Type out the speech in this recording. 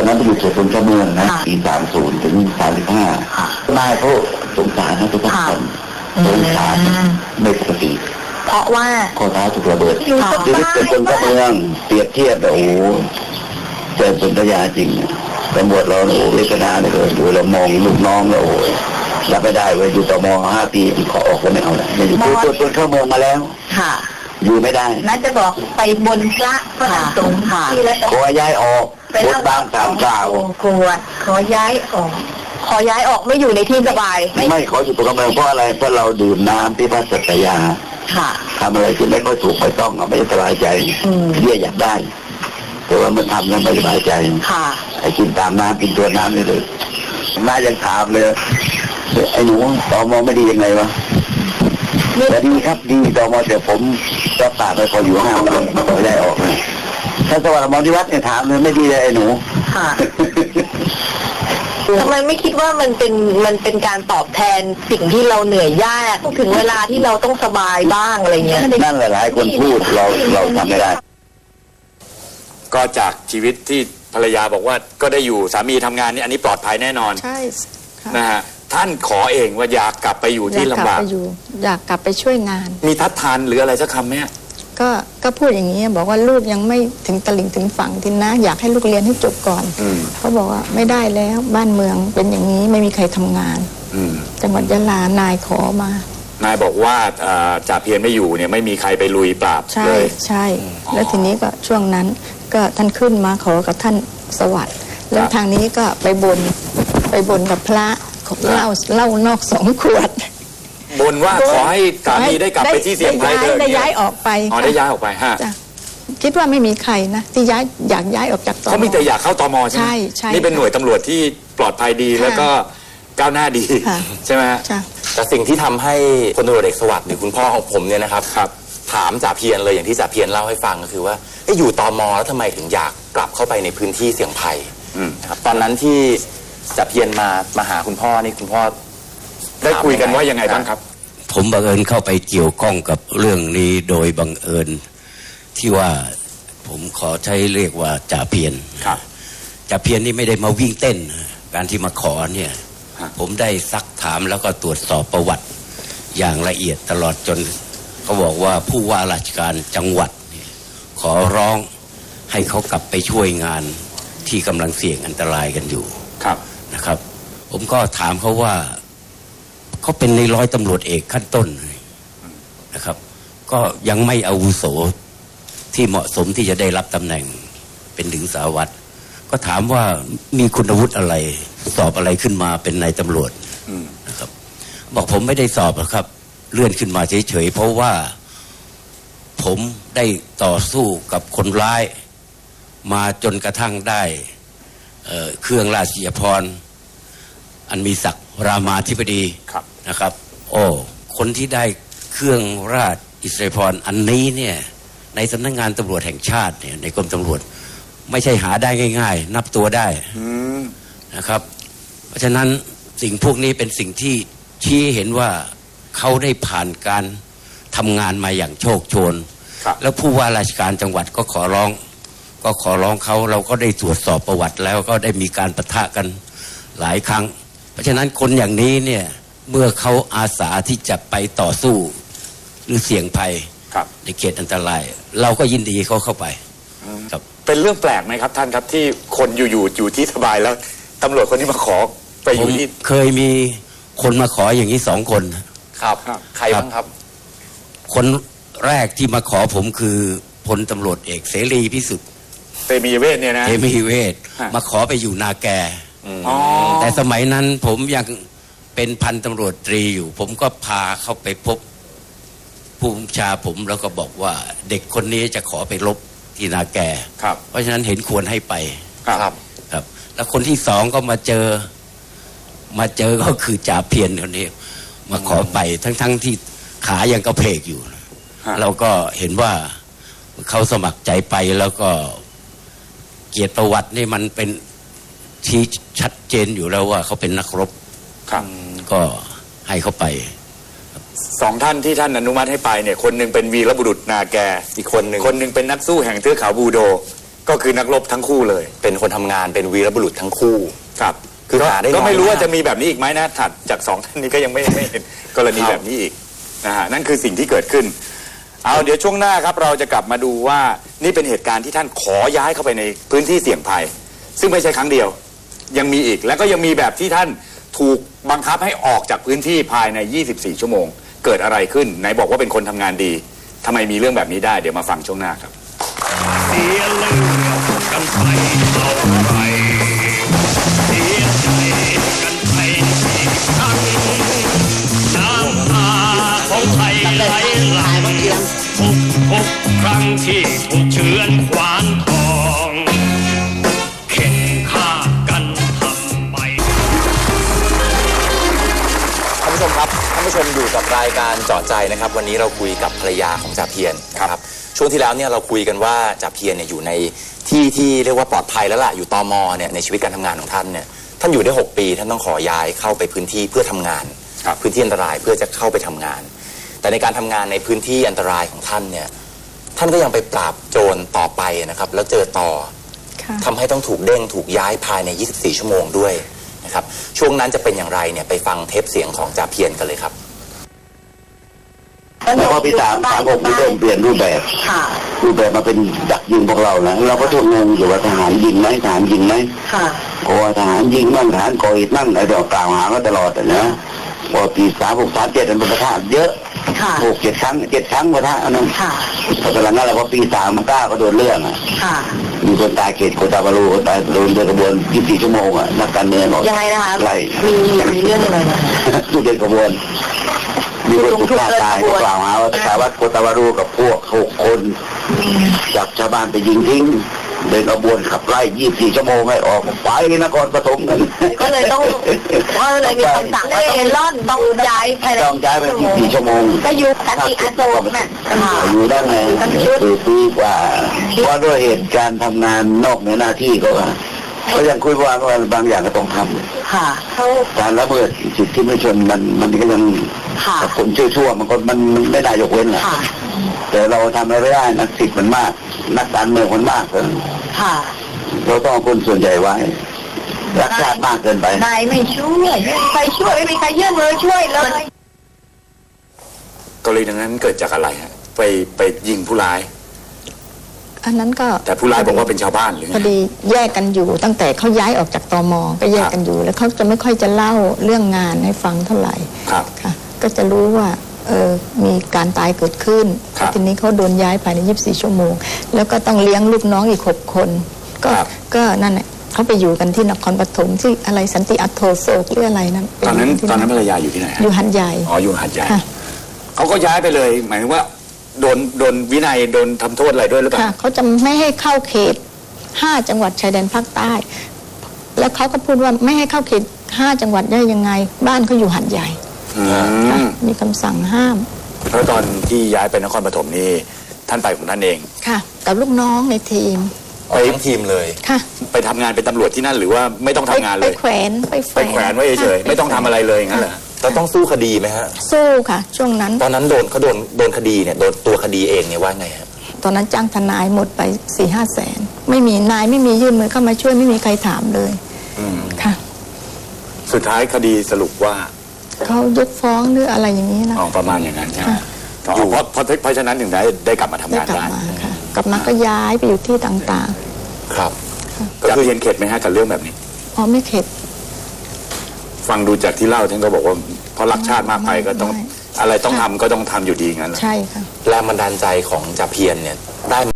นั้นไปอยู่เขตพลเมืองนะปี30 ถึง 35นายเขาสงสารนะทุกคนสงสารไม่ปกติเพราะว่าข้อเท้าถูกระเบิดชีวิตเกิดคนเมืองเปรียบเทียบโอ้โหเจอสัญญาจริงตำรวจเราโอ้เวทนาเลยดูเรามองลูกน้องเราโอ้รับไม่ได้เว้ยอยู่ต่อม5 ปีขอออกก็ไม่เอาแล้วไม่อยู่ตัวเข้าเมืองมาแล้วค่ะอยู่ไม่ได้น่าจะบอกไปบนพระสงฆ์ค่ะขอย้ายออกบนบาง3 กล่าวขอย้ายออกไม่อยู่ในที่สบายไม่ขออยู่ตัวเมืองเพราะอะไรเพราะเราดื่มน้ำที่พระสัตยาค่ะทำอะไรที่ไม่ค่อยถูกไม่ต้องไม่สบายใจเรียกอยากได้แต่ว่ามันทำแล้วไม่สบายใจค่ะไอ้กินตามน้ำกินตัวน้ำนี่เลยน่ายังถามเลยไอ้หนูตมไม่ดียังไงวะแต่ดีครับดีตมแต่ผมรับปากไปพออยู่5 วันขอได้ออกเลยถ้าสวัสดิ์มอนิวัฒน์เนี่ยถามเลยไม่ดีเลยไอ้หนูค่ะทำไมไม่คิดว่ามันเป็นการตอบแทนสิ่งที่เราเหนื่อยยากถึงเวลาที่เราต้องสบายบ้างอะไรเงี้ยนั่นหลายคนพูดเราทำไม่ได้ก็จากชีวิตที่ภรรยาบอกว่าก็ได้อยู่สามีทำงานนี่อันนี้ปลอดภัยแน่นอนใช่นะฮะท่านขอเองว่าอยากกลับไปอยู่ที่ลำบากอยากกลับไปช่วยงานมีทัดทานหรืออะไรสักคำไหมก็พูดอย่างนี้บอกว่าลูกยังไม่ถึงตลิ่งถึงฝั่งที่นะอยากให้ลูกเรียนให้จบก่อนเขาบอกว่าไม่ได้แล้วบ้านเมืองเป็นอย่างนี้ไม่มีใครทำงานจังหวัดยะลานายขอมานายบอกว่าจ่าเพียรไม่อยู่เนี่ยไม่มีใครไปลุยปราบเลยใช่แล้วทีนี้ก็ช่วงนั้นก็ท่านขึ้นมาขอกับท่านสวัสดิ์แล้วทางนี้ก็ไปบนกับพระเหล้านอก2 ขวดบนว่าขอให้สามีได้กลับไปที่เสียงไทยได้ย้ายออกไปได้ย้ายออกไปฮะคิดว่าไม่มีใครนะที่อยากย้ายออกจากตมเขามีแต่อยากเข้าตมใช่ไหมใช่นี่เป็นหน่วยตำรวจที่ปลอดภัยดีแล้วก็ก้าวหน้าดีใช่ไหมแต่สิ่งที่ทำให้พลตำรวจเอกสวัสดิ์หรือคุณพ่อของผมเนี่ยนะครับถามจ่าเพียรเลยอย่างที่จ่าเพียรเล่าให้ฟังก็คือว่าอยู่ตมแล้วทำไมถึงอยากกลับเข้าไปในพื้นที่เสี่ยงภัยนะครับตอนนั้นที่จ่าเพียรมาหาคุณพ่อนี่คุณพ่อได้คุยกันว่ายังไงบ้างครับผมบังเอิญเข้าไปเกี่ยวข้องกับเรื่องนี้โดยบังเอิญที่ว่าผมขอใช้เรียกว่าจ่าเพียรจ่าเพียรนี่ไม่ได้มาวิ่งเต้นการที่มาขอเนี่ยผมได้ซักถามแล้วก็ตรวจสอบประวัติอย่างละเอียดตลอดจนเขาบอกว่าผู้ว่าราชการจังหวัดขอร้องให้เขากลับไปช่วยงานที่กำลังเสี่ยงอันตรายกันอยู่นะครับผมก็ถามเขาว่าเขาเป็นในร้อยตำรวจเอกขั้นต้นนะครับก็ยังไม่อาวุโสที่เหมาะสมที่จะได้รับตำแหน่งเป็นถึงสารวัตรก็ถามว่ามีคุณวุฒิอะไรสอบอะไรขึ้นมาเป็นนายตำรวจนะครับบอกผมไม่ได้สอบหรอกครับเลื่อนขึ้นมาเฉยๆเพราะว่าผมได้ต่อสู้กับคนร้ายมาจนกระทั่งได้เครื่องราชยภรณ์อันมีศักดิ์รามาธิบดีนะครับคนที่ได้เครื่องราชอิสริยภรณ์อันนี้เนี่ยในสำนักงานตำรวจแห่งชาติเนี่ยในกรมตำรวจไม่ใช่หาได้ง่ายๆนับตัวได้นะครับเพราะฉะนั้นสิ่งพวกนี้เป็นสิ่งที่ชี้เห็นว่าเขาได้ผ่านการทำงานมาอย่างโชคโชนแล้วผู้ว่าราชการจังหวัดก็ขอร้องเขาเราก็ได้ตรวจสอบประวัติแล้วก็ได้มีการปะทะกันหลายครั้งเพราะฉะนั้นคนอย่างนี้เนี่ยเมื่อเขาอาสาที่จะไปต่อสู้หรือเสี่ยงภัยในเขตอันตรายเราก็ยินดีเขาเข้าไปครับเป็นเรื่องแปลกไหมครับท่านครับที่คนอยู่ที่สบายแล้วตำรวจคนที่มาขอไปอยู่ที่เคยมีคนมาขออย่างนี้2 คนครับใครบ้างครับคนแรกที่มาขอผมคือพลตำรวจเอกเสรีพิสุทธิ์เตมีเวทเนี่ยนะเตมีเวทมาขอไปอยู่นาแกแต่สมัยนั้นผมยังเป็นพันตำรวจตรีอยู่ผมก็พาเข้าไปพบผู้บัญชาผมแล้วก็บอกว่าเด็กคนนี้จะขอไปรบที่นาแกเพราะฉะนั้นเห็นควรให้ไปครับแล้วคนที่2ก็มาเจอก็คือจ่าเพียรคนนี้มาขอไปทั้งที่ขายังกระเพกอยู่เราก็เห็นว่าเขาสมัครใจไปแล้วก็เกียรติประวัตินี่มันเป็นที่ชัดเจนอยู่แล้วว่าเขาเป็นนักรบก็ให้เขาไป 2 ท่านที่ท่านอนุมัติให้ไปเนี่ยคนหนึ่งเป็นวีรบุรุษนาแกอีกคนหนึ่งเป็นนักสู้แห่งเทือกเขาบูโดก็คือนักรบทั้งคู่เลยเป็นคนทำงานเป็นวีรบุรุษทั้งคู่ครับคือหาได้น้อยก็ไม่รู้ว่าากจะมีแบบนี้อีกไหมนะถัดจากสองท่านนี้ก็ยังไม่เห็นกรณีครับแบบนี้อีกนะฮะนั่นคือสิ่งที่เกิดขึ้นเอาเดี๋ยวช่วงหน้าครับเราจะกลับมาดูว่านี่เป็นเหตุการณ์ที่ท่านขอย้ายเข้าไปในพื้นที่เสี่ยงภัย ซึ่งไม่ใช่ครั้งเดียวยังมีอีกแล้วก็ยังมีแบบที่ท่านถูกบังคับให้ออกจากพื้นที่ภายใน 24 ชั่วโมง เกิดอะไรขึ้นไหนบอกว่าเป็นคนทำงานดีทำไมมีเรื่องแบบนี้ได้เดี๋ยวมาฟังช่วงหน้าครับเสียเลือดกันไปเท่าไรเสียใจกันไปอีกครั้งน้ำตาของไทยไหลหลั่งทุกครั้งที่ถูกเฉือนขวานทองเข็นฆ่ากันทำไปท่านผู้ชมครับท่านผู้ชมอยู่กับรายการเจาะใจนะครับ วันนี้เราคุยกับภรรยาของจ่าเพียรนะครับช่วงที่แล้วเนี่ยเราคุยกันว่าจ่าเพียรเนี่ยอยู่ในที่เรียกว่าปลอดภัยแล้วล่ะอยู่ตมเนี่ยในชีวิตการทำงานของท่านเนี่ยท่านอยู่ได้6 ปีท่านต้องขอย้ายเข้าไปพื้นที่เพื่อทำงานพื้นที่อันตรายเพื่อจะเข้าไปทำงาน แต่ในการทำงานในพื้นที่อันตรายของท่านเนี่ยท่านก็ยังไปปราบโจรต่อไปนะครับแล้วเจอต่อค่ะทำให้ต้องถูกเด้งถูกย้ายภายใน 24 ชั่วโมงด้วยนะครับช่วงนั้นจะเป็นอย่างไรเนี่ยไปฟังเทปเสียงของจ่าเพียรกันเลยครับแล้วก็ปี36มีเริ่มเปลี่ยนรูปแบบค่ะรูปแบบมาเป็นดักยิงพวกเรานะเราก็ทุกงงอยู่ว่าทหารยิงไหมทหารยิงไหมค่ะเพราะว่าทหารยิงมั่งทหารก่อเหตุมั่งอะไรเดี๋ยวกล่าวหาก็ตลอดนะพอปี36 37มันประทะเยอะค่ะ 6-7 ครั้งประทะอันนั้นค่ะพอตอนนั้นแหละพอปี39ก็โดนเรื่องอ่ะค่ะมีคนตายเขตโคตาบารูคนตายโดนเดินกระบวน24 ชั่วโมงอ่ะนักการเมืองหมดยังไงนะคะไล่มีเรื่องอะไรนะทุกเดินกระบวนมีคนถูกฆ่าตายก็กล่าวหาว่าสารวัตรโคตาบารูกับพวก6 คนจับชาวบ้านไปยิงทิ้งเดินกระบวนขับไล่24 ชั่วโมงให้ออกไปนครปฐมกันก็เลยต้องก็เลยมีคำสั่งว่าต้องย้ายภายในต้องย้ายไป24 ชั่วโมงก็อยู่กันอีกอันโตน่ะค่ะอยู่ได้ไงปีกว่าเพราะด้วยเหตุการณ์ทำงานนอกในหน้าที่ก็ยังคุยว่าบางอย่างก็ต้องทำค่ะเขาการละเมิดสิทธิมนุษยชนมันก็ยังค่ะคนชั่วมันไม่ได้ยกเว้นแหละค่ะแต่เราทำอะไรไม่ได้นักสิทธิ์มันมากนักการเมืองมันมากเกินค่ะเราต้องเอาคนส่วนใหญ่ไว้รักชาติมากเกินไปนายไม่ช่วยไม่มีใครช่วยไม่มีใครยื่นมือช่วยเลยกรณีนั้นเกิดจากอะไรฮะไปยิงผู้ร้ายอันนั้นก็แต่ผู้ร้ายบอกว่าเป็นชาวบ้านหรือไงพอดีแยกกันอยู่ตั้งแต่เขาย้ายออกจากตมก็แยกกันอยู่ แล้วเขาจะไม่ค่อยจะเล่าเรื่องงานให้ฟังเท่าไหร่ครับค่ะ ก็จะรู้ว่ามีการตายเกิดขึ้นครับทีนี้เขาโดนย้ายภายใน 24 ชั่วโมง แล้วก็ต้องเลี้ยงลูกน้องอีก 6 คนครับก็นั่นแหละเขาไปอยู่กันที่นครปฐมที่อะไรสันติอัตโทโศกหรืออะไรนั่นตอนนั้นที่ภรรยาอยู่ที่ไหนฮะอยู่หันใหญ่อ๋ออยู่หาดใหญ่ค่ะเขาก็ย้ายไปเลยหมายถึงว่าโดนวินัยโดนทำโทษอะไรด้วยหรือเปล่าค่ะเขาจะไม่ให้เข้าเขต 5 จังหวัดชายแดนภาคใต้ แล้วเขาก็พูดว่าไม่ให้เข้าเขต 5 จังหวัดได้ยังไง บ้านเขาอยู่หัดใหญ่อืค่ะมมีคำสั่งห้ามเพราะตอนที่ย้ายไปนครปฐมนี่ท่านไปของท่านเองค่ะ กับลูกน้องในทีมออกทั้งทีมเลยค่ะไปทำงานเป็นตำรวจที่นั่นหรือว่าไม่ต้องทำงานเลไปยแขวนไปแขไปแขวนไว้เฉยๆไม่ต้องทำอะไรเลยอย่างนั้นเหรอแล้วต้องสู้คดีไหมฮะสู้ค่ะ ช่วงนั้นตอนนั้นโดนคดีเนี่ยโดนตัวคดีเองเนี่ยว่าไงฮะตอนนั้นจ้างทนายหมดไป 4-5 แสน ไม่มีนายไม่มียื่นมือเข้ามาช่วยไม่มีใครถามเลยค่ะสุดท้ายคดีสรุปว่าเขายกฟ้องหรืออะไรอย่างนี้นะอ๋อประมาณอย่างนั้นใช่ไหมค่ะอ๋อเพราะฉะนั้นถึงได้กลับมาทำได้งานกลับได้มาค่ะกลับมาก็ย้ายไปอยู่ที่ต่างครับจะเรียนเข็ดไหมฮะกับเรื่องแบบนี้ๆอ๋อไม่เข็ดฟังดูจากที่เล่าท่านก็บอกว่าเพราะรักชาติมากไปก็ต้องไม่อะไรต้องทำก็ต้องทำอยู่ดีงั้นเหรอใช่ค่ะแรงบันดาลใจของจ่าเพียรเนี่ยได้